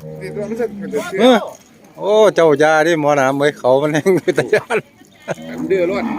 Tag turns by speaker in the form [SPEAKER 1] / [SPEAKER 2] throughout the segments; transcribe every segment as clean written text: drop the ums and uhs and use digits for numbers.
[SPEAKER 1] โอ้เจ้ายาดิหมอน้ำไว้เขามันแห้งไปตะยาน
[SPEAKER 2] ดื้อรถ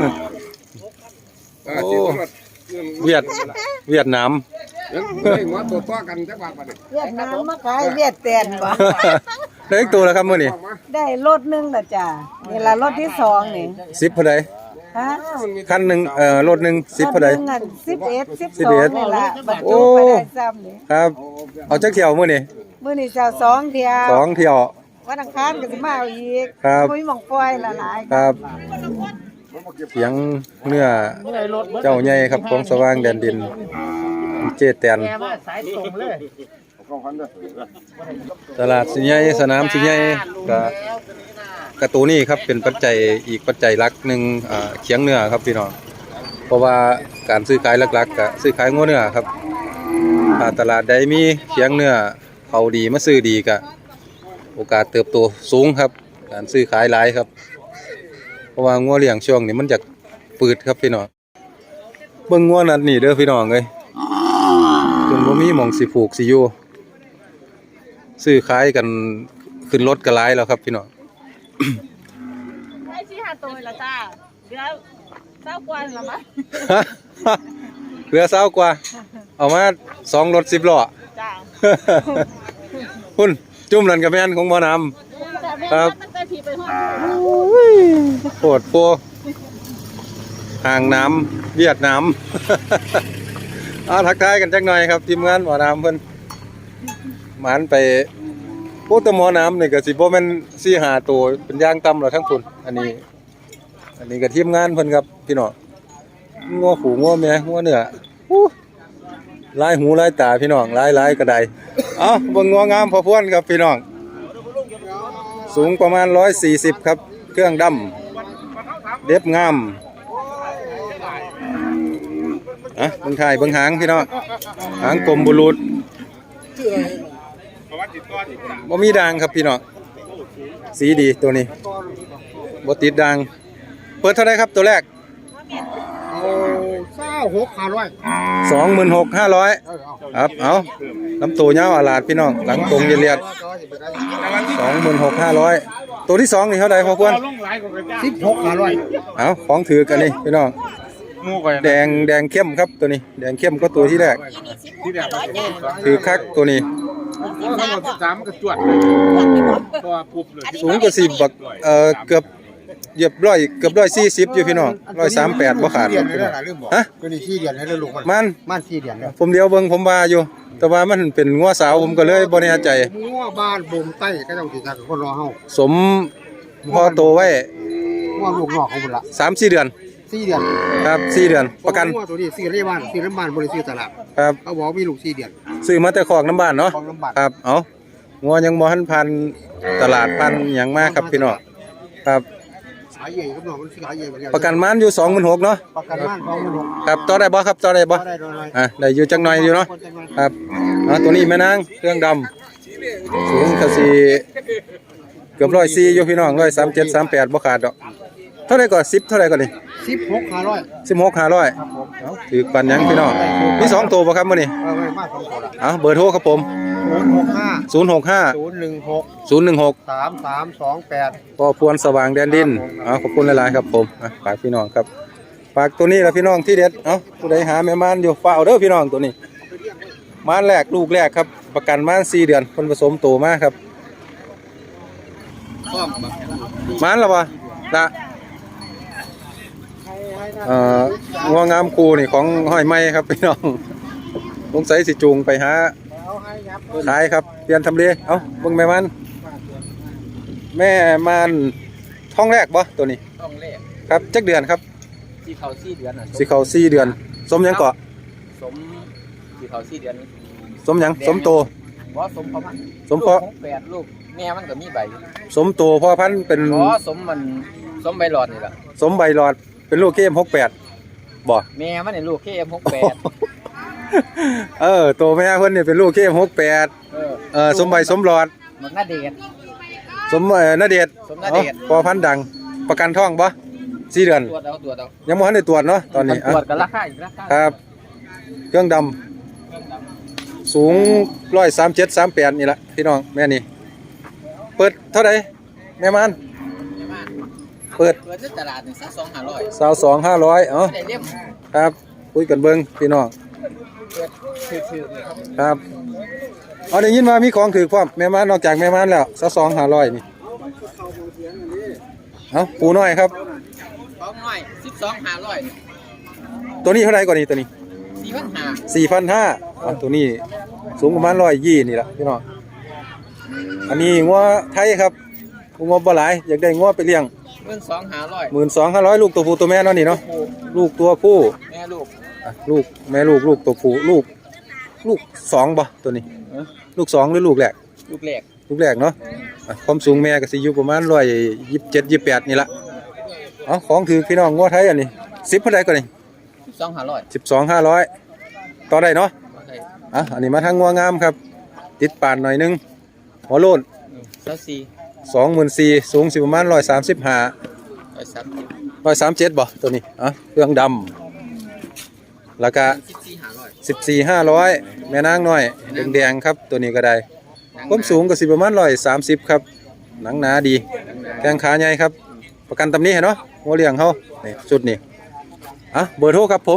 [SPEAKER 1] โอ้เวียดนาม
[SPEAKER 2] หัวตัวต่อกันจักบาทบัดนี้
[SPEAKER 3] เวียดนามมาขายเวียดแตนบ่
[SPEAKER 1] ได้อีกตัวแล้วครับมื้อนี้
[SPEAKER 3] ได้รถนึงล่ะจ้ะนี่ล่ะรถที่2นี่
[SPEAKER 1] 10เท่าใด
[SPEAKER 3] ฮะ
[SPEAKER 1] คันนึงรถนึง10เท่าใด
[SPEAKER 3] 11 12นี่ล่ะบรรจุไปได้ซ้ำนี่
[SPEAKER 1] ครับเอาจักเที่ยวมื้อนี้
[SPEAKER 3] เจ้า2เที่ยว
[SPEAKER 1] 2เที่ยว
[SPEAKER 3] วันอังคารก็สิมาเอาอีก
[SPEAKER 1] ครับ
[SPEAKER 3] บ่มีหม่องปล่อยละหลาย
[SPEAKER 1] ครับเสียงเนื้อเจ้าใหญ่ครับของสว่างแดนดินเจแตนตลาดสิใหญ่สนามสิใหญ่กระตูนี่ครับเป็นปัจจัยอีกปัจจัยหลักหนึ่งเคียงเนื้อครับพี่น้องเพราะว่าการซื้อขายหลักๆก็ซื้อขายงัวเนื้อครับตลาดใดมีเคียงเนื้อเขาดีมาซื้อดีก็โอกาสเติบโตสูงครับการซื้อขายหลายครับเพราะว่างัวเลี้ยงช่วงนี้มันจะปืดครับพี่น้องเบิ่งงัวนั่นนี่เด้อพี่น้องเอ้ยจนบ่มีหม่องสิผูกสิอยู่ซื้อขายกันขึ้นรถก็หลายแล้วครับพี่น้อง
[SPEAKER 4] ได้ชี้หาตัวละจ้าเหลือ20 กว่าละมั้ง
[SPEAKER 1] เหลือ20 กว่าเอามา2 รถ 10 ล้อ
[SPEAKER 4] จ้า
[SPEAKER 1] คุณจุ่มนั่นก็แม่นของบ่น้ำครับโคตรโปห่างน้ำเวียดนามทักทายกันจักหน่อยครับทีมงานหมอน้ำเพิ่นหมานไปโอ้แต่หมอน้ำนี่ก็สิบ่แม่น4-5 ตัวเป็นย่างต่ำแล้วทั้งพุ่นอันนี้ก็ทีมงานเพิ่นครับพี่น้องงัวผูงัวแม่งัวเนื้อลายหูลายตาพี่น้องลายกระไดเบิ่งงัวงามพอพวนครับพี่น้องสูงประมาณ140ครับเครื่องดำเด็บงามเบิ่งถ่ายเบิ่งหางพี่น้องหางกลมบุรุษบ่มีด่างครับพี่น้องสีดีตัวนี้บ่ติดด่างเปิดเท่าไรครับตัวแรก26,500ครับเอาลำตัวยาวอาลาดพี่น้องหลังตรงเรียด26,500ตัวที่2นี่เท่าไรพอควร
[SPEAKER 2] 16,500
[SPEAKER 1] เอาของถือกันนี่พี่น้องแดงเข้มครับตัวนี้แดงเข้มก็ตัวที่แรกถือคักตัวนี้
[SPEAKER 2] 13ก็จวดตัวปุ๊บเลย
[SPEAKER 1] สูงกว่า10บักเกือบเหยียบเกือบ140อยู่พี่น้อง138บ่ขาดฮะ
[SPEAKER 2] ตัวนี้4 เดือนแล้วลูก
[SPEAKER 1] มัน
[SPEAKER 2] 4 เดือนแล้ว
[SPEAKER 1] ผมเดียวเบิ่งผมว่าอยู่แต่ว่ามันเป็นงัวสาวผมก็เลยบ่แน่ใจ
[SPEAKER 2] งัวบ้านบ่มใต้ก็ต้องสิทักคนรอเฮา
[SPEAKER 1] สมพอโตไว้
[SPEAKER 2] งัวลูกนอกของพุ่นละ
[SPEAKER 1] 3-4 เดือน
[SPEAKER 2] 4 เดือน
[SPEAKER 1] ครับ4 เดือนประกัน
[SPEAKER 2] งัวตัวนี้ซื้อในบ้านซื้อน้ำบ้านบ่ได้ซื้อตลาด
[SPEAKER 1] ครับ
[SPEAKER 2] เขาบอกมีลูก4 เดือน
[SPEAKER 1] ซื้อมาแต่คอกน้ำบ้านเนาะครับเอางัวยังบ่ทันพันตลาดพันหยังมาครับพี่น้องครับ
[SPEAKER 2] ขายใหญ่ครับน้องมันขายใหญ่
[SPEAKER 1] ประกันม่านอยู่ 26,000เนาะ
[SPEAKER 2] ประกันม่าน26,000
[SPEAKER 1] ครับต่อได้บ่ครับต่อได้บ่ได้อยู่จักหน่อยอยู่เนาะครับตัวนี้แม่นางเครื่องดำสูงก็สิเกือบ104อยู่พี่น้อง137 38บ่ขาดดอกเท่าไหร่ก่อน10เท่าไหร่ก่อนนี่
[SPEAKER 2] 16,500
[SPEAKER 1] ครับผมถือปันหยังพี่น้องมี2ตัวบ่ครับมื้อนี้
[SPEAKER 2] มา2ตัว
[SPEAKER 1] เบอร์โทรครับผม
[SPEAKER 2] 065
[SPEAKER 1] 016
[SPEAKER 2] 3328
[SPEAKER 1] พอพวนสว่างแดนดินขอบคุณหลายๆครับผมฝากพี่น้องครับฝากตัวนี้ล่ะพี่น้องที่เด็ดผู้ใดหาแม่ม่านอยู่ฝากเอาเด้อพี่น้องตัวนี้ม่านแรกลูกแรกครับประกันม่าน4 เดือนคนผสมโตมาครับม่านล่ะบ่ละงัวงามคูนี่ของห้อยไม้ครับพี่น้องสงสัยสิจูงไปหาขายครับเปลี่ยนทำเลเบิ่งแม่มันท้องแรกบ่ตัวนี้
[SPEAKER 5] ท้องแรก
[SPEAKER 1] ครับจักเดือนครับ
[SPEAKER 5] สิเข้า4 เดือน
[SPEAKER 1] สิเข้า4 เดือนสมหยังเกาะ
[SPEAKER 5] สมสิเข้า4 เดือน
[SPEAKER 1] สมหยังสมโต
[SPEAKER 5] บ่สมประมาณ
[SPEAKER 1] สมเพาะ
[SPEAKER 5] 8ลูกแม่มันก็มีใบ
[SPEAKER 1] สมโตพ่อพันธุ์เป็น
[SPEAKER 5] บ่สมใบหลอดนี่ล่ะ
[SPEAKER 1] สมใบหลอดเป็นลูกKM68บ่
[SPEAKER 5] แม่มันนี่ลูกKM68
[SPEAKER 1] โตแม่เพิ่นนี่เป็นลูกKM68สมใบสมหลอด
[SPEAKER 5] มันน่าเดช
[SPEAKER 1] สมนาเดชพอพันธุ์ดังประกันท้องบ่4 เดือน
[SPEAKER 5] ตรวจเอา
[SPEAKER 1] ยังบ่ทันได้ตรวจเนาะตอนนี้
[SPEAKER 5] ตรวจกันราคาอีกราคา
[SPEAKER 1] ครับเครื่องดำสูง137 38นี่ละพี่น้องแม่นี่เปิดเท่าไหร่แม่มัน
[SPEAKER 5] แม่บ้าน
[SPEAKER 1] เปิด
[SPEAKER 5] ในตลาดนี่22,500
[SPEAKER 1] 22,500เอ้า
[SPEAKER 5] ได้เล่ม
[SPEAKER 1] ครับคุยกันเบิ่งพี่น้อง
[SPEAKER 5] เปิดชื่อๆเลยครับ
[SPEAKER 1] ครับเอาได้ยินว่ามีของถือพร้อมแม่มันนอกจากแม่มันแล้ว22,500นี่เอ้าปูน้อยครับ
[SPEAKER 5] ของน้อย12,500
[SPEAKER 1] ตัวนี้เท่าไหร่กว่านี้ตัวนี้
[SPEAKER 5] 4,500
[SPEAKER 1] 4,500ตัวนี้สูงประมาณ120นี่ล่ะพี่น้องอันนี้งัวไทยครับงัวบ่หลายอยากได้งัวไปเลี้ยง
[SPEAKER 5] 12,500
[SPEAKER 1] 12,500ลูกตัวผู้ตัวแม่เนาะนี่เนาะ
[SPEAKER 5] ผู้
[SPEAKER 1] ลูกตัวผู้
[SPEAKER 5] แม่ลูก
[SPEAKER 1] อ่ะลูกแม่ลูกตัวผู้ลูกสองบ่ตัวนี้
[SPEAKER 5] เอ้อ
[SPEAKER 1] ลูกสองหรือลูกแรก
[SPEAKER 5] ลูกแรก
[SPEAKER 1] ลูกแรกเนาะอ่ะความสูงแม่ก็สิอยู่ประมาณ127 28นี่ละเอาของถือพี่น้องงัวไทยอันนี้10เท่าใดก่อนนี่
[SPEAKER 5] 12,500
[SPEAKER 1] 12,500ต่อได้เนาะ
[SPEAKER 5] โอเค
[SPEAKER 1] อ่ะอันนี้มาทางงัวงามครับ ติดปานหน่อยนึงหัวโลน 24,000สูงสิประมาณ135 137บ่ตัวนี้อ่ะเครื่องดำแล้วก็ 14,500แม่นางน้อยแดงๆครับตัวนี้ก็ได้ความสูงก็สิประมาณ130ครับหนังหนาดีแข้งขาใหญ่ครับประกันตำนี้เห็นเนาะหัวเลี้ยงเฮานี่ชุดนี้อ่ะเบอร์โทรครับผม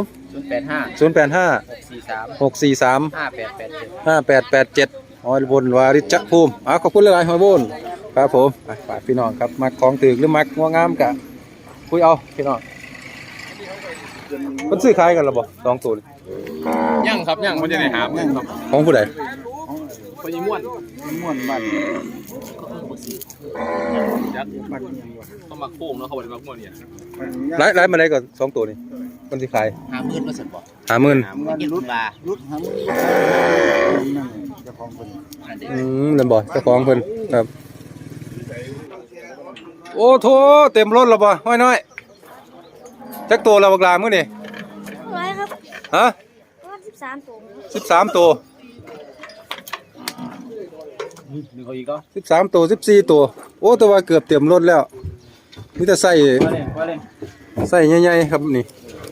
[SPEAKER 5] 085
[SPEAKER 1] 085
[SPEAKER 5] 643
[SPEAKER 1] 643
[SPEAKER 5] 5887
[SPEAKER 1] 5887หอยบนวาริจภูมิขอบคุณหลายๆหอยบนครับผมฝากพี่น้องครับมักของถึกหรือมักงัวงามกะคุยเอาพี่น้องมันซื้อขายกันหรอบ่สองตัวนี่
[SPEAKER 2] ยังครับยังมันจะได้หาเงินครับ
[SPEAKER 1] ของผู้ใด
[SPEAKER 2] พอยิ่ม่วนม่วนบ้านยัดต้องมาโค้งเนาะเขาบอกว่าม่วนเนี่ย
[SPEAKER 1] ไล่มาได้ก่อนสองตัวนี่มันสิขาย
[SPEAKER 5] 50,000บ่ซั่นบ่
[SPEAKER 1] 50,000
[SPEAKER 5] เก็บว่า
[SPEAKER 1] นั่นบ่เจ้าของเพิ่นครับโอ้โถเต็มรถแล้วบ่ห้อยน้อยจักตัวแล้วบักลามื้อนี่
[SPEAKER 3] ร้อยครับ
[SPEAKER 1] ฮะ
[SPEAKER 3] ประมาณ13ตัว
[SPEAKER 1] 13ตัว
[SPEAKER 2] นึกเอาอีกก็
[SPEAKER 1] 13ตัว14ตัวโอ้แต่ว่าเกือบเต็มรถแล้วมีแต่ใส่ใส่ใหญ่ๆครับนี่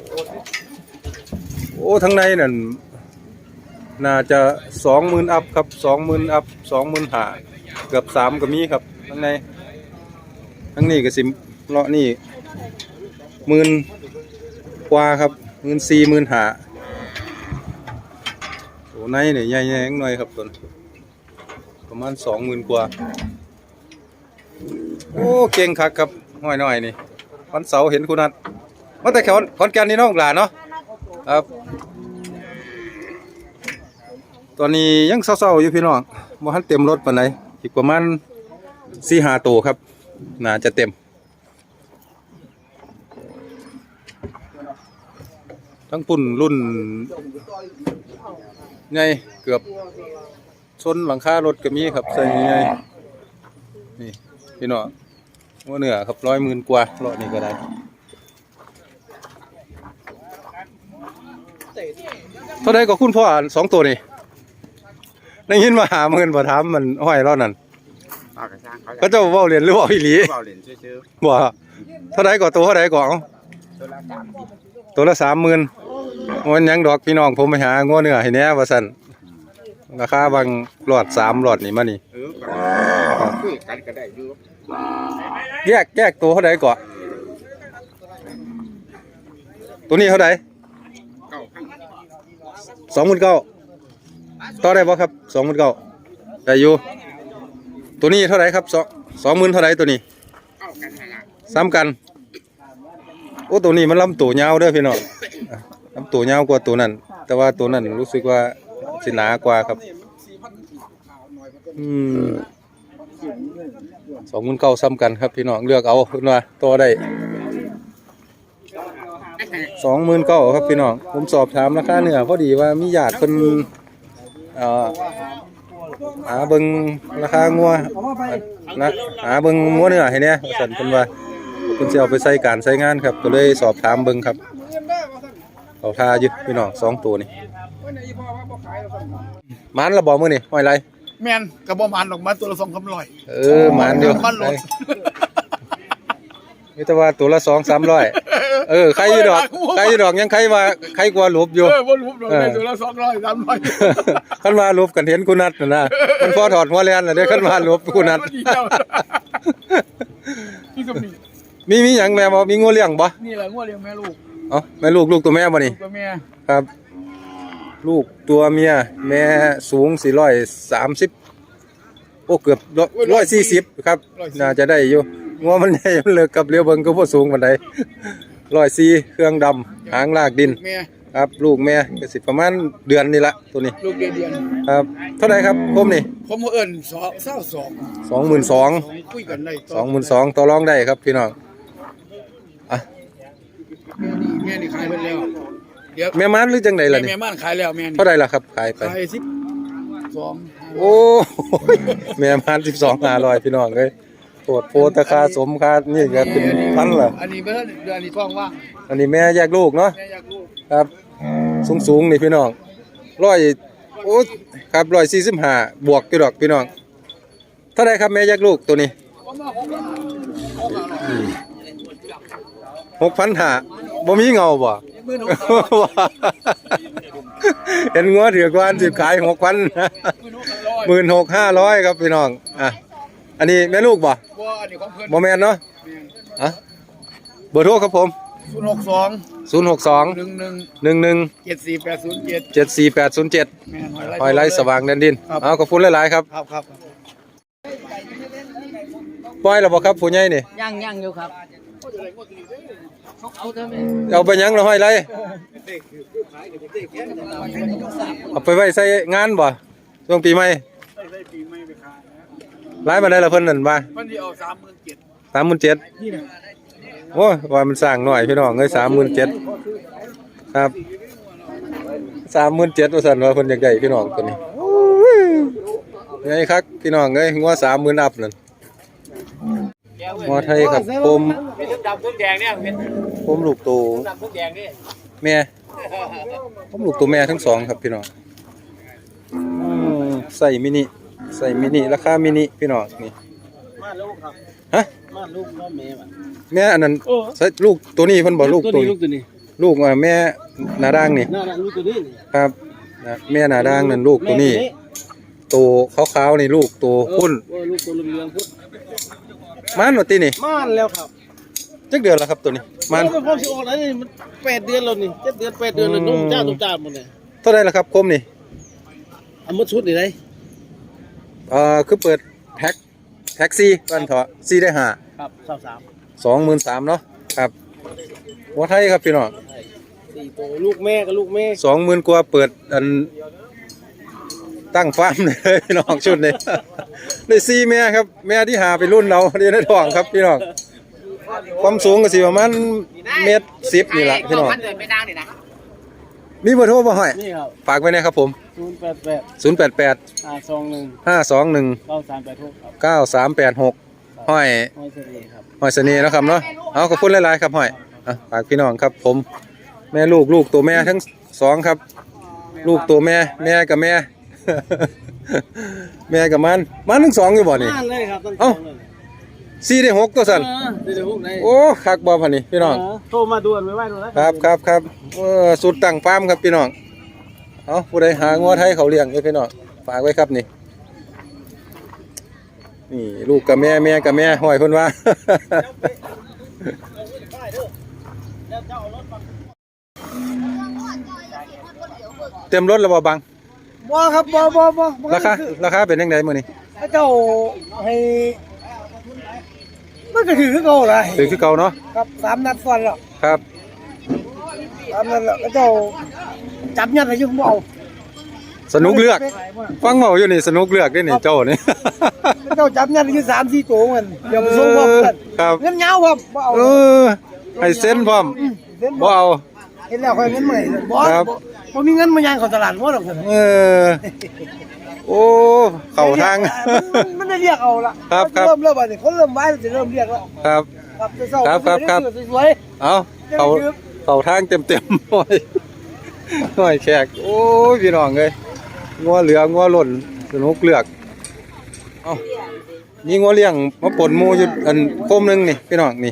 [SPEAKER 1] โอ้ทั้งในนั่นน่าจะ20,000อัพครับ20,000อัพ25,000เกือบ3ก็มีครับทั้งในทั้งนี้ก็สิเลาะนี่10,000กว่าครับ14,000 15,000โอ้ในนี่ใหญ่ๆหน่อยครับต้นประมาณ20,000กว่าโอ้เก่งคักครับห้อยน้อยนี่วันเสาร์เห็นคุณนัทมาแต่ขอนแก่นนี่น้องหลานเนาะครับตอนนี้ยังเศร้าๆอยู่พี่น้องบ่ทันเต็มรถปานใดอีกประมาณ 4-5 ตัวครับน่าจะเต็มทั้งปุ่นรุ่นใหญ่เกือบชนหลังคารถก็มีครับใส่ใหญ่นี่พี่น้องว่าเหนือครับ100,000กว่าเลาะนี่ก็ได้เท่าใดก็คุณพ่อสองตัวนี่ได้ยินมา50,000บ่ถามมันห้อยเลาะนั่น
[SPEAKER 2] ปากกระช่างเขา
[SPEAKER 1] ก็เจ้าเว้าเรียนหรือเว้าอีหลี
[SPEAKER 2] เบาเหรียญชื่อ
[SPEAKER 1] บ่เท่าใดก็ตัวเท่าใดก็เอา
[SPEAKER 2] ตัวละ30
[SPEAKER 1] ตัวละ 30,000มันหยังดอกพี่น้องผมไปหางัวเนื้อให้แหน่ว่าซั่นราคาบางหลอด3หลอดนี่มานี่
[SPEAKER 2] คุยกันก็ได้อยู่
[SPEAKER 1] แยกตัวเท่าใดก็ตัวนี้เท่าใด 29,000ต่อได้บ่ครับ 29,000ได้อยู่ตัวนี้เท่าไหร่ครับ20,000เท่าไหร่ตัวนี้ซ้ำกันโอ้ตัวนี้มันลำตัวยาวเด้อพี่น้องลำตัวยาวกว่าตัวนั้นแต่ว่าตัวนั้นรู้สึกว่าสิหนากว่าครับ29,000ซ้ำกันครับพี่น้องเลือกเอาเพิ่นว่าต่อได้29,000ครับพี่น้องผมสอบถามราคาเนื้อพอดีว่ามีญาติเพิ่นหาเบิ่งราคางัวนะหาเบิ่งงัวเนื้อให้แหน่ว่าซั่นเพิ่นว่าเพิ่นสิเอาไปใช้การใช้งานครับก็เลยสอบถามเบิ่งครับเขาทาอยู่พี่น้อง2ตัวนี่หมานละบ่มื้อนี่ห้อยไร
[SPEAKER 2] แม่นกระบอกมันออกมาตัวละ2,300
[SPEAKER 1] หมานเดียวมีแต่ว่าตัวละ200-300ใครอยู่ดอกยังใครว่าใครกว่าลบอยู่
[SPEAKER 2] บนรูปเราได้ตัวละ200-300
[SPEAKER 1] คันว่าลบกันเห็นกูนัดน่ะนะมันพอถอดหัวแลนน่ะเด้คันว่าลบกูนัด
[SPEAKER 2] นี่ก็มี
[SPEAKER 1] มีหยังแม่บ่มีงูเลี้ยงบ่
[SPEAKER 2] นี่แหละงัวเลี้ยงแม่ลูก
[SPEAKER 1] เอ้าแม่ลูกตัวแม่บ่นี่
[SPEAKER 2] ตัวแม่
[SPEAKER 1] ครับ ลูกตัวเมียแม่สูง430โอ้เกือบ140ครับน่าจะได้อยู่งัวมันใหญ่มันเลิกกับเลี้ยวเบิ่งก็บ่สูงปานใด104เครื่องดำหางลากดิน
[SPEAKER 2] แม่
[SPEAKER 1] ครับลูกแม่ก็สิประมาณเดือนนี่ละตัวนี้
[SPEAKER 2] ลูกเดือน
[SPEAKER 1] ครับเท่าไหร่ครับผมนี่
[SPEAKER 2] ผมเอิ้น22
[SPEAKER 1] 22,000
[SPEAKER 2] คุยกันได้
[SPEAKER 1] 22,000ต่อรองได้ครับพี่น้องอ่ะ
[SPEAKER 2] แม่นี่ขายไปแล้วเดี๋ยว
[SPEAKER 1] แม่ม้านหรือจังไดล่ะนี่
[SPEAKER 2] แม่บ้านขายแล้วแม่นี่
[SPEAKER 1] เท่าไหร่ล่ะครับขายไป
[SPEAKER 2] ขาย12
[SPEAKER 1] โอ้แม่ม้าน12,500พี่น้องเอ้ยโปรดโพตค่าสมค่านี่ก็เป็นพันล่ะ
[SPEAKER 2] อันนี้เบิ่นเดือนนี้ท้องว่าง
[SPEAKER 1] อันนี้แม่แยกลูกเนาะ
[SPEAKER 2] แม่อยากลูก
[SPEAKER 1] ครับสูงนี่พี่น้องโอ้ครับ145บวกอยู่ดอกพี่น้องเท่าไหร่ครับแม่แยกลูกตัวนี้ 6,500บ่มีเงาบ่ เห็นงัวถือกวานสิขาย 6,000 16,500ครับพี่น้องอ่ะอันนี้แม่ลูกบ่
[SPEAKER 2] บ่อันนี้ของเพิ่น
[SPEAKER 1] บ่แม่นเนาะอ่ะเบอร์โทรครับผม
[SPEAKER 2] 062
[SPEAKER 1] 062 11
[SPEAKER 2] 74807
[SPEAKER 1] 74807
[SPEAKER 2] แม่น
[SPEAKER 1] หอยไร่สว่างแดนดินเอาขอบคุณหลายๆครับ
[SPEAKER 2] ครับ
[SPEAKER 1] ปล่อยแล้วบ่ครับผู้ใหญ่นี่
[SPEAKER 5] ย่างอยู่ครับเอาเถอะแม่
[SPEAKER 1] เอาไปหยังแล้วหอยไร่เอาไปไว้ใส่งานบ่ช่วงปีใหม่หลายมาได้ละเพิ่นนั่นว่า
[SPEAKER 2] มันสิเอา37,000
[SPEAKER 1] 37,000
[SPEAKER 2] นี่น่ะ
[SPEAKER 1] โอ้ยว่ามันสร้างหน่อยพี่น้องเอ้ย37,000ครับ37,000ว่าซั่นว่าเพิ่นอยากได้พี่น้องตัวนี้โอ้ยไงครับพี่น้องเอ้ยงัว30,000อัพนั่นงัวไทยครับผม
[SPEAKER 5] เป็นดำทุกแดงเนี่ยเป็น
[SPEAKER 1] ผมลูกโต
[SPEAKER 5] ดำทุกแดงนี่
[SPEAKER 1] แม่ผมลูกตัวแม่ทั้งสองครับพี่น้องใส่มินิราคามินิพี่น้องนี่
[SPEAKER 5] มาลูกครับ
[SPEAKER 1] ฮะ
[SPEAKER 5] มาลูกมาแม่มัน
[SPEAKER 1] แม่อันนั้นใส่ลูกตัวนี้เพิ่นบอกลูกตัวนี้ ลูกแม่หน้าด่างนี่
[SPEAKER 5] น่ารักลูกตัวนี้
[SPEAKER 1] ครับนะแม่หน้าด่างนั่นลูกตัวนี้ตัวขาวๆนี่ลูกตัวพุ่น
[SPEAKER 5] ลูกตัวเหลืองๆพุทธ
[SPEAKER 1] มันว่าตินี่
[SPEAKER 5] ม่านแล้วครับ
[SPEAKER 1] จักเดือนแล้วครับตัวนี้มัน
[SPEAKER 5] เป็นความสิออกแล้วนี่มัน8 เดือนแล้วนี่7 เดือน8 เดือนแล้วนุ่มจ้าตุ้มจ้าหมดเลย
[SPEAKER 1] เท่าไหร่ล่ะครับคมนี่
[SPEAKER 5] เอามาชุดนี่ได้
[SPEAKER 1] คือเปิดแท็กซี่บ้านเถาะซี่ได้5
[SPEAKER 5] ครับ23
[SPEAKER 1] 23,000เนาะครับหัวไทยครับพี่น้อง
[SPEAKER 5] 4 ตัวลูกแม่กับลูกแม่
[SPEAKER 1] 20,000กว่าเปิดอันตั้งฟาร์มเลยพี่น้องชุดนี้ ได้4แม่ครับแม่ที่หาไปรุ่นเราเรียนในท้องครับพี่น้องความสูงก็สิประมาณ1.10 mนี่แหละพี่น้อง
[SPEAKER 5] ไม่ดังนี่นะ
[SPEAKER 1] มีเบอร์โทรบ่ห้อย
[SPEAKER 5] นี่ครับ
[SPEAKER 1] ฝากไว้นะครับผม
[SPEAKER 5] 088
[SPEAKER 1] 088
[SPEAKER 5] 521
[SPEAKER 1] 521
[SPEAKER 5] 9386
[SPEAKER 1] 9386ห้อย
[SPEAKER 5] ห้อยเสน่ห์ครับ
[SPEAKER 1] ห้อยเสน่ห์เนาะครับเนาะเอาขอบคุณหลายๆครับห้อยฝากพี่น้องครับผมแม่ลูกตัวแม่ทั้งสองครับ ลูกตัวแม่กับแม่ แม่กับมันทั้งสองอยู่บ่นี่
[SPEAKER 5] ม่านเลยครับตั้ง
[SPEAKER 1] เอ้า 4ได้6ตัวสั่น
[SPEAKER 5] เดี๋ยวพวกไหน
[SPEAKER 1] โอ้คักบ่พันนี่พี่น้อง
[SPEAKER 5] โทรมาด่วนไว้ไว้ด่วนนะครับ
[SPEAKER 1] สุดตั้งฟาร์มครับพี่น้องเอาผู้ใดหางัวไทยเขาเลี้ยงอยู่พี่น้องฝากไว้ครับนี่ลูกกับแม่กับแม่ห้อยเพิ่นว่า เต็มรถแล้วบ่บัง
[SPEAKER 3] บ่ครับบ่
[SPEAKER 1] ราคาเป็นจังไดมื้อนี้
[SPEAKER 3] เจ้าให้มันก็ถือเก่าเลย
[SPEAKER 1] ถือคือเก่าเนาะ
[SPEAKER 3] ครับ3 นัดซ้อนแล้ว
[SPEAKER 1] ครับ
[SPEAKER 3] 3 นัดแล้วเจ้าจับยัดให้อยู่บ่เอา
[SPEAKER 1] สนุกเลือกฟังเมาอยู่นี่สนุกเลือกได้นี่เจ้านี่
[SPEAKER 3] เจ้าจับยัดให้อยู่3-4ตัวมันเดี๋ยวไปส่งพร้อมกัน
[SPEAKER 1] ครับ
[SPEAKER 3] เงินยาวครับบ่เอา
[SPEAKER 1] ให้เซ็นพร้อมบ่เอา
[SPEAKER 3] เห็นแล้วค่อยเงินใหม่บ่
[SPEAKER 1] ครับ
[SPEAKER 3] บ่มีเงินมาย่างเข้าตลาดบ่ดอกซั่น
[SPEAKER 1] โอ้เข้าทาง
[SPEAKER 3] มันได้เรียกเอาละ
[SPEAKER 1] ครับ
[SPEAKER 3] เริ่มบัดนี้คนเริ่มไว้จะเริ่มเรียกแล้ว
[SPEAKER 1] ครับ
[SPEAKER 3] ครับจะเศร้า
[SPEAKER 1] ครับ
[SPEAKER 3] สวย
[SPEAKER 1] เอาเข้าทางเต็มๆหน่อยแขกโอ้ยพี่น้องเอ้ยงัวเหลืองัวหล่นสนุกเลือกเอ้ามีงัวเลี้ยงมาปนหมูอยู่อันโคมหนึงนี่พี่น้องนี่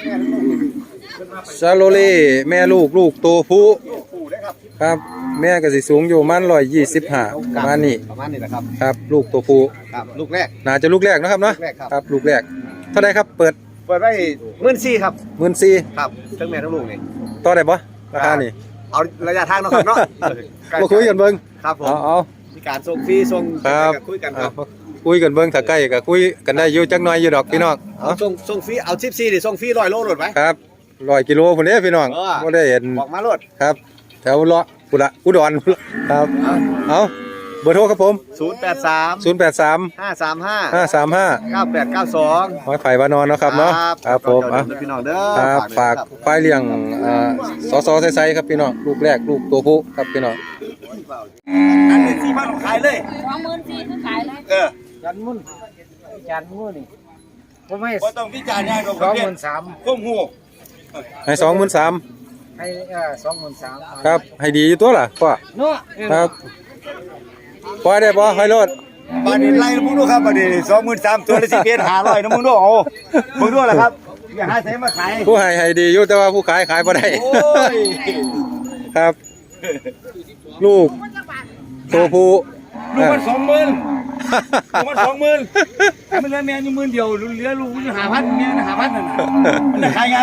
[SPEAKER 1] ซาโลเล่แม่ลูกโตผู้ครับแม่ก็สิสูงอยู่ประมาณ125ประมาณนี้
[SPEAKER 2] ประมาณนี้แหละครับ
[SPEAKER 1] ครับลูกตัวผู้
[SPEAKER 2] ครับลูกแรก
[SPEAKER 1] น่าจะลูกแรกนะครับเนาะ
[SPEAKER 2] ลูกแรกครับ
[SPEAKER 1] ครับลูกแรกเท่าไหร่ครับเปิด
[SPEAKER 2] เปิดไว้14,000ครับ
[SPEAKER 1] 14,000
[SPEAKER 2] ครับทั้งแม่ทั้งลูกนี่
[SPEAKER 1] ต่อได้บ่ราคานี่
[SPEAKER 2] เอาระยะทางเนาะครับเนาะ
[SPEAKER 1] มาคุยกันเบิ่ง
[SPEAKER 2] ครับผม
[SPEAKER 1] เอา
[SPEAKER 2] มีการส่งฟรีส่ง
[SPEAKER 1] ครับ
[SPEAKER 2] คุยกันครับ
[SPEAKER 1] คุยกันเบิ่งถ้าใกล้ก็คุยกันได้อยู่จักหน่อยอยู่ดอกพี่น้อง
[SPEAKER 2] เอาส่งฟรีเอา14ดิส่งฟรี100โลโลดไว้
[SPEAKER 1] ครับ100กิโลพุ่นเด้พี่น้อง
[SPEAKER 2] เออ
[SPEAKER 1] บ่ได้เห็น
[SPEAKER 2] บอกมาโลด
[SPEAKER 1] ครับแถวเลาะพุ่นละอุดรพุ่นละครับเอาเบอร์โทรครับผม
[SPEAKER 2] 083
[SPEAKER 1] 083
[SPEAKER 2] 535
[SPEAKER 1] 535
[SPEAKER 2] 9892
[SPEAKER 1] หอยไผ่วานอนเนาะครับเนาะครับผม
[SPEAKER 2] อ่ะ
[SPEAKER 1] อ่ะ
[SPEAKER 2] พี่น้องเด้อ
[SPEAKER 1] ครับฝากควายเลี้ยงสอไซๆครับพี่น้องลูกแรกลูกตัวผู้ครับพี่น้อง
[SPEAKER 2] อันนี้4,000ขายเลย
[SPEAKER 4] 24,000คือขายเลย
[SPEAKER 2] เออ
[SPEAKER 3] จันมุ่นจันมุ่นนี่ผมให้
[SPEAKER 2] บ่ต้องพิจารณาดอกประเภท
[SPEAKER 3] 23,000
[SPEAKER 2] คุ้มหู
[SPEAKER 1] ให้23,000
[SPEAKER 3] ให้23,000
[SPEAKER 1] ครับให้ดีอยู่ตัวล่ะพ่อ
[SPEAKER 3] เนาะ
[SPEAKER 1] ครับปล่อยได้บ่ให้รถ
[SPEAKER 2] บัดนี้ไล่มึงดูครับบัดนี้23,000ตัวละ11,500นะมึงดูเอามึงดูล่ะครับอย่าหาใส่มาขาย
[SPEAKER 1] ผู้ให้ดีอยู่แต่ว่าผู้ขายบ่ได้
[SPEAKER 2] โอ้ย
[SPEAKER 1] ครับ ลูกตัวผู้
[SPEAKER 2] ลูกมัน20,000ลูกมัน20,000ให้มันเหลือแม่อยู่10,000เดียวเหลือลูกอยู่5,000แม่น่ะ5,000นั่นน่ะมันจะขายไง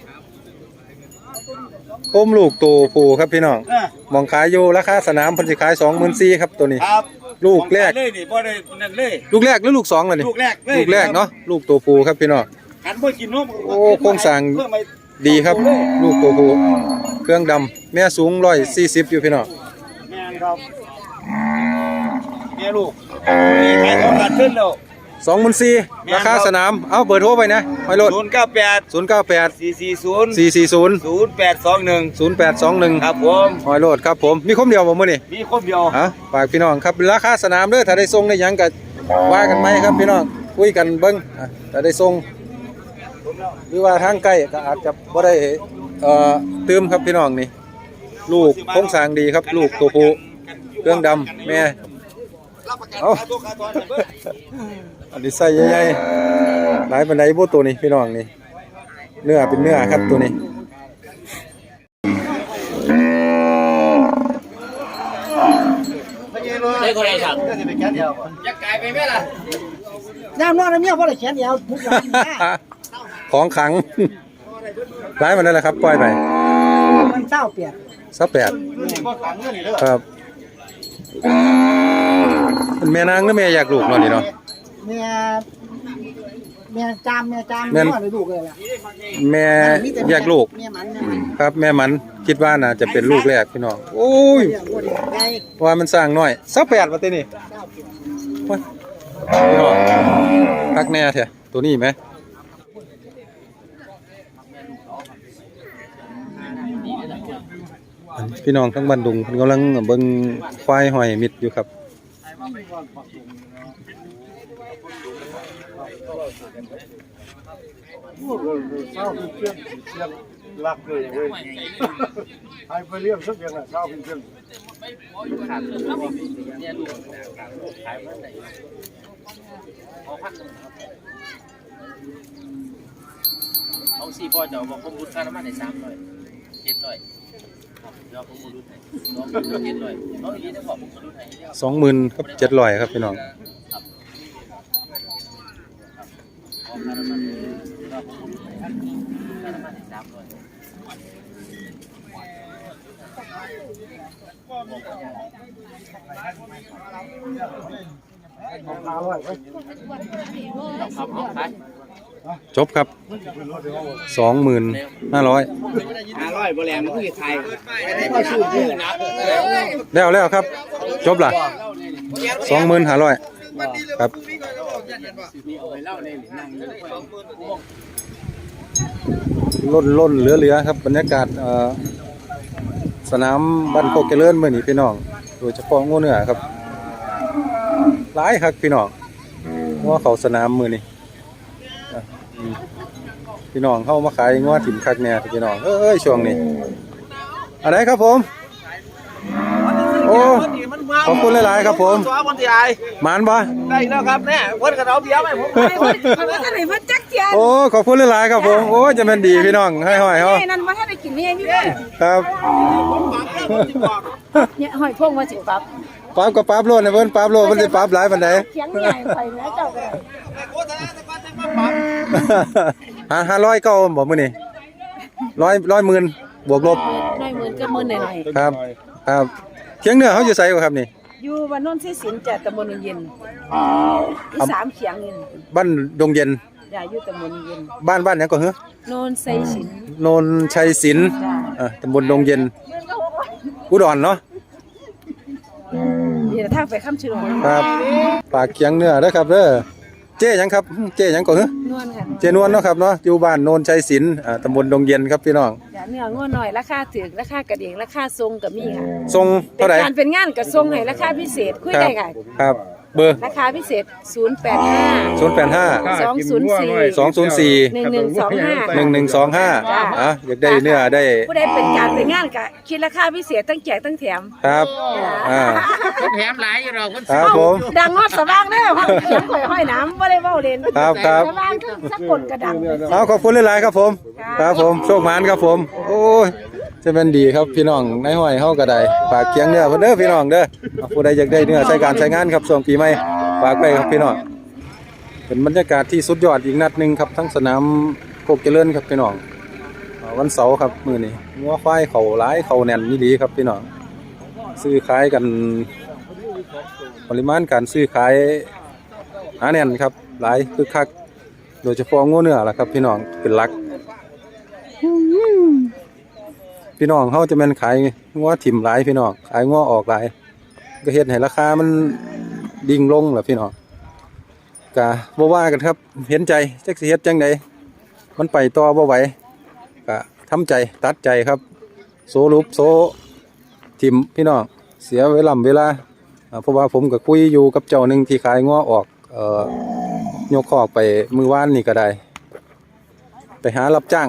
[SPEAKER 1] คมลูกตัวผู้ครับพี่น้อง
[SPEAKER 2] เออ
[SPEAKER 1] มองขายอยู่ราคาสนามเพิ่นสิขาย 24,000ครับตัวนี้
[SPEAKER 2] ครับ
[SPEAKER 1] ลูกแรก
[SPEAKER 2] เลยนี่บ่ได้นั่นเลย
[SPEAKER 1] ลูกแรกหรือลูกสองล่ะนี่
[SPEAKER 2] ลูกแรกเลย
[SPEAKER 1] ลูกแรกเนาะลูกตัวผู้ครับพี่น้อง
[SPEAKER 2] หันบ่กินนม
[SPEAKER 1] โอ้โครงสร้าง
[SPEAKER 2] เพิ่มไป
[SPEAKER 1] ดีครับ ลูกตัวผู้เครื่องดำแม่สูง140อยู่พี่น้อง
[SPEAKER 2] แม่นครับแม่ลูกนี่ขายของขาดทุนแล้ว
[SPEAKER 1] 24,000ราคาสนามเอาเบอร์โทรไปนะห้อยรถ
[SPEAKER 2] 098
[SPEAKER 1] 098
[SPEAKER 2] 440
[SPEAKER 1] 440
[SPEAKER 2] 0821
[SPEAKER 1] 0821
[SPEAKER 2] ครับผม
[SPEAKER 1] ห้อยโลดครับผมมีคมเดียวบ่มื้อนี้
[SPEAKER 2] มีคนเดียว
[SPEAKER 1] ฮะฝากพี่น้องครับราคาสนามเด้อถ้าได้ส่งได้หยังก็ว่ากันไหมครับพี่น้องคุยกันเบิ่งถ้าได้ส่งหรือว่าทางใกล้ก็อาจจะบ่ได้เติมครับพี่น้องนี่ลูกโครงสร้างดีครับลูกตัวผู้เครื่องดำแม่เอาอันนี้ใส่ใหญ่ๆหลายปานใดบ่ตัวนี้พี่น้องนี่เนื้อเป็นเนื้อครับตัวนี้
[SPEAKER 5] ได้คนไหนสั่ง
[SPEAKER 3] น้ำนอนน้ำเมียบ่ได้แขนยาวทุกอย่าง
[SPEAKER 1] ของขัง ร้ายมันได้แล้วครับปล่อยไป
[SPEAKER 3] มันเศร้าเปียก
[SPEAKER 1] 28ครับเป็นแม่นางหรือแม่อยากลูกเนาะนี่เนาะ
[SPEAKER 3] เมียจาม
[SPEAKER 1] แม่
[SPEAKER 3] นอนลูกเลยล่ะ
[SPEAKER 1] แม่อยากลูก
[SPEAKER 3] เมียมัน
[SPEAKER 1] ครับแม่มันคิดว่าน่าจะเป็นลูกแรกพี่น้องโอ้ย
[SPEAKER 3] เลี้ยงบ่ได้ไง
[SPEAKER 1] ว่ามันสร้างน้อย28ว่าตินี่โอ้ยพี่น้องคักแน่แท้ตัวนี้ไหมพี่น้องทั้งบ้านดุงเพิ่นกำลังเบิ่งควายหอยมิดอยู่ครับ
[SPEAKER 5] เอาสี่พ่อจะบอกผมบุญค่าน้ำมันใน300 700เดี๋ยวผมบุญให้700เอาอีกจะบอกผมบุญให้
[SPEAKER 1] 20,000ครับ700ครับพี่น้องจบครับ25,500
[SPEAKER 2] 500บ่แรงมันคือไทยก็ชื่อชื่อนะ
[SPEAKER 1] แล้วครับจบล่ะ25,500ครับล้นเหลือครับบรรยากาศสนามบ้านโคกเจริญมื้อนี้พี่น้องโดยเฉพาะงูเนื้อครับหลายครับพี่น้องว่าเขาสนามมื้อนี้พี่น้องเข้ามาขายงัวถิ่มคักแน่พี่น้องเอ้ยช่วงนี้อะไรครับผมโอ้
[SPEAKER 2] มันมา
[SPEAKER 1] ขอบคุณหลายๆครับผม
[SPEAKER 5] ตัวคนที่อาย
[SPEAKER 1] หมานบ่
[SPEAKER 5] ได้แล้วครับเนี่ยเพิ่นกับเราเบียร์ไหมผม
[SPEAKER 4] เพราะว่าท่านไหนเพิ่นจักเจียน
[SPEAKER 1] โอ้ขอบคุณหลายๆครับผมโอ้จะเป็นดีพี่น้องให้ห้อยเฮา
[SPEAKER 4] นั่นว่าท่านได้กินนี่พี่เด้
[SPEAKER 1] ครับ
[SPEAKER 4] เนี่ยหอยพงว่าสิปั๊บ
[SPEAKER 1] ปราบกับปราบโลดนะเพิ่นปราบโลดเพิ่นสิปราบหลายปานใด
[SPEAKER 4] เขียงใหญ่ไปแล้วเจ้าก็ได้
[SPEAKER 1] 500เก้าบ่มื้อนี้100หมื่นบวกลบ
[SPEAKER 4] น้อยหมื่นก็หมื่นหน่อย
[SPEAKER 1] ครับครับเคียงเหนือเขาอยู่ไสบ่ครับนี่
[SPEAKER 4] ๆอยู่บ้านโนนที่สินจ้ะตำบลเย็นอีสามเขียงนี่
[SPEAKER 1] บ้านดงเย็น
[SPEAKER 4] จ้ะอยู่ตำบลเย็น
[SPEAKER 1] บ้านหยังก็เหรอ
[SPEAKER 4] โนนไซสิน
[SPEAKER 1] โนนชัยศิลป์ตำบลดงเย็นอุดรเนาะ
[SPEAKER 4] นี่ทางไปค้ำชื่อ
[SPEAKER 1] ครับปากเคียงเหนือเด้อครับเด้อเจ๊หยังครับเจ๊หยังก็เหรอน
[SPEAKER 4] วลค่ะ
[SPEAKER 1] เจ๊นวลเนาะครับเนาะอยู่บ้านโนนชัยศิลป์ตำบลดงเย็นครับพี่น้อง
[SPEAKER 4] จ้ะเนื้อง้อหน่อยราคาถูกราคากระเดียงราคาทรงก็มีค่ะ
[SPEAKER 1] ทรง
[SPEAKER 4] เป็
[SPEAKER 1] เท่าน ไหร่
[SPEAKER 4] การเป็นงานกับทรงให้ราคาพิเศษคุย
[SPEAKER 1] ครั
[SPEAKER 4] ได้
[SPEAKER 1] บ
[SPEAKER 4] ค่ะ
[SPEAKER 1] ครับเบอร์
[SPEAKER 4] ราคาพิเศษ
[SPEAKER 1] 085
[SPEAKER 4] 085 204
[SPEAKER 1] 204
[SPEAKER 4] 1125
[SPEAKER 1] 1125อยากได้เนื้อได้
[SPEAKER 4] ผู้ใดเป็นการเป็นงานก็คิดราคาพิเศษตั้งแจกตั้งแถม
[SPEAKER 1] ครับ
[SPEAKER 5] แถมหลายอยู่เราคน
[SPEAKER 1] ครับผม
[SPEAKER 4] ดังฮอดสว่างเด้อห้องเขียงข่อยห้อยน้ำบ่ได้เว้าเล่น
[SPEAKER 1] ครับครับ
[SPEAKER 4] สว่างคือสักคนก็ดัง
[SPEAKER 1] เอาขอบคุณหลายๆครับผม ครับผมโชคหมานครับผม โอ้ยจะเป็นดีครับพี่น้องในห้อยเฮาก็ได้ฝากเคียงเนื้อเพิ่นเด้อพี่น้องเด้อเอาผู้ใดอยากได้เนื้อใช้การใช้งานครับช่วงปีใหม่ฝากไปครับพี่น้องเป็นบรรยากาศที่สุดยอดอีกนัดหนึงครับทั้งสนามโคกเจริญครับพี่น้องวันเสาร์ครับมื้อนี้งัวควายเขาหลายเขาแน่นนี่ดีครับพี่น้องซื้อขายกันปริมาณการซื้อขายหนาแน่นครับหลายคึกคักโดยเฉพาะงัวเนื้อล่ะครับพี่น้องเป็นหลัก พี่น้องเขาจะแม่นขายงัวถิ่มหลายพี่น้องขายงัวออกหลายก็เฮ็ดให้ราคามันดิ่งลงล่ะพี่น้องก็บ่ว่ากันครับเห็นใจจักสิเฮ็ดจังไดมันไปต่อบ่ไหวก็ทำใจตัดใจครับโซลุบโซถิ่มพี่น้องเสียเวลาเพราะว่าผมก็คุยอยู่กับเจ้าหนึงที่ขายงัวออกยกคอกไปมื้อวานนี่ก็ได้ไปหารับจ้าง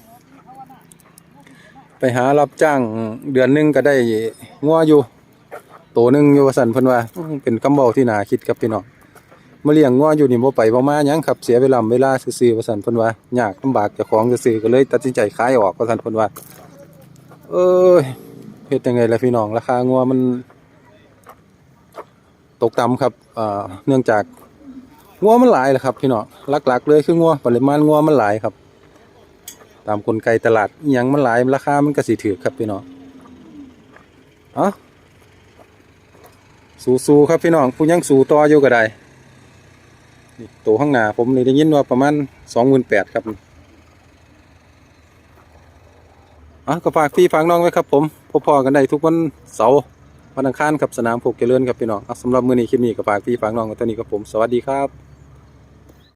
[SPEAKER 1] เดือนหนึงก็ได้งัวอยู่ตัวหนึงอยู่ว่าซั่นเพิ่นว่าเป็นคำเว้าที่น่าคิดครับพี่น้องมาเลี้ยงงัวอยู่นี่บ่ไปบ่มาหยังครับเสียเวลาซื่อๆว่าซั่นเพิ่นว่ายากลำบากเจ้าของซื่อๆก็เลยตัดสินใจขายออกว่าซั่นเพิ่นว่าเฮ็ดจังไงล่ะพี่น้องราคางัวมันตกต่ำครับเนื่องจากงัวมันหลายแหละครับพี่น้องหลักๆเลยคืองัวปริมาณงัวมันหลายครับตามกลไกตลาดอิหยังมันหลายราคามันก็สิถูกครับพี่น้องสู้ๆครับพี่น้องผู้ยังสู้ต่ออยู่ก็ได้นี่ตัวข้างหน้าผมนี่ได้ยินว่าประมาณ 28,000 ครับก็ฝากพี่ฝากน้องไว้ครับผมพอๆกันได้ทุกวันเสาร์วันอังคารครับสนามโคกเจริญครับพี่น้องสำหรับมื้อนี้คลิปนี้ก็ฝากพี่ฝากน้องกันตัวนี้ครับผมสวัสดีครับ